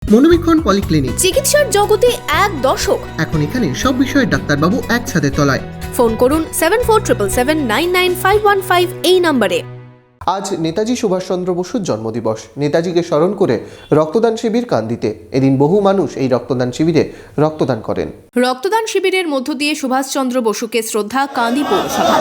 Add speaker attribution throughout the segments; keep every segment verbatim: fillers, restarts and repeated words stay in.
Speaker 1: মনোবীক্ষণ polyclinic,
Speaker 2: চিকিৎসার জগতে এক দশক।
Speaker 1: এখন এখানে সব বিষয়ে ডাক্তারবাবু একসাথে তলায়।
Speaker 2: ফোন করুন seven four triple seven nine nine five one five এই নম্বরে।
Speaker 3: আজ নেতাজি সুভাষচন্দ্র বসুর জন্মদিবস। নেতাজিকে স্মরণ করে রক্তদান শিবির কান্দিতে। এদিন বহু মানুষ এই রক্তদান শিবিরে রক্তদান করেন।
Speaker 2: রক্তদান শিবিরের মধ্য দিয়ে সুভাষচন্দ্র বসুকে শ্রদ্ধা কান্দি পৌরসভা।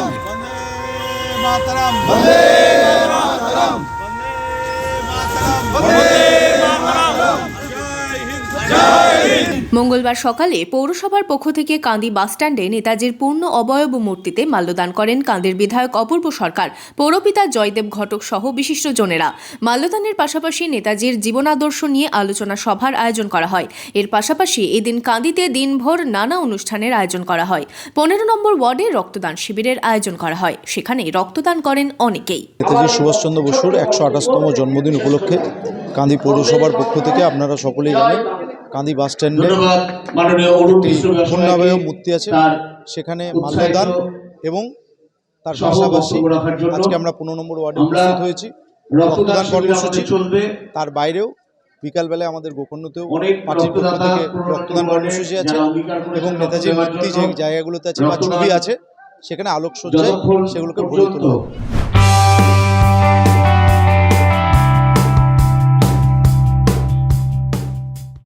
Speaker 2: মঙ্গলবার সকালে পৌরসভার পক্ষ থেকে কান্দি বাসস্ট্যান্ডে নেতাজির পূর্ণ অবয়ব মূর্তিতে মাল্যদান করেন কান্দির বিধায়ক অপূর্ব সরকার, পৌরপিতা জয়দেব ঘটক সহ বিশিষ্টজনেরা। মাল্যদানের পাশাপাশি নেতাজির জীবনাদর্শ নিয়ে আলোচনা সভার আয়োজন করা হয়। এর পাশাপাশি এদিন কান্দিতে দিনভর নানা অনুষ্ঠানের আয়োজন করা হয়। পনেরো নম্বর ওয়ার্ডে রক্তদান শিবিরের আয়োজন করা হয়। সেখানে রক্তদান করেন অনেকেই।
Speaker 4: নেতাজি সুভাষচন্দ্র বসুর একশো আঠাশতম জন্মদিন উপলক্ষে কান্দি পৌরসভার পক্ষ থেকে আপনারা সকলেই জানেন কান্দি বাস স্ট্যান্ডে পূর্ণাবয়ব মূর্তি আছে, সেখানে মাল্যদান এবং তার পাশাপাশি আজকে আমরা পনেরো নম্বর ওয়ার্ডে উপস্থিত হয়েছি রক্তদান কর্মসূচি। তার বাইরেও বিকালবেলায় আমাদের গোকর্ণতেও পার্টির পক্ষ থেকে রক্তদান কর্মসূচি আছে এবং নেতাজির মূর্তি যে জায়গাগুলোতে আছে বা ছবি আছে সেখানে আলোকসজ্জায় সেগুলোকে ভরে তোলা হবে।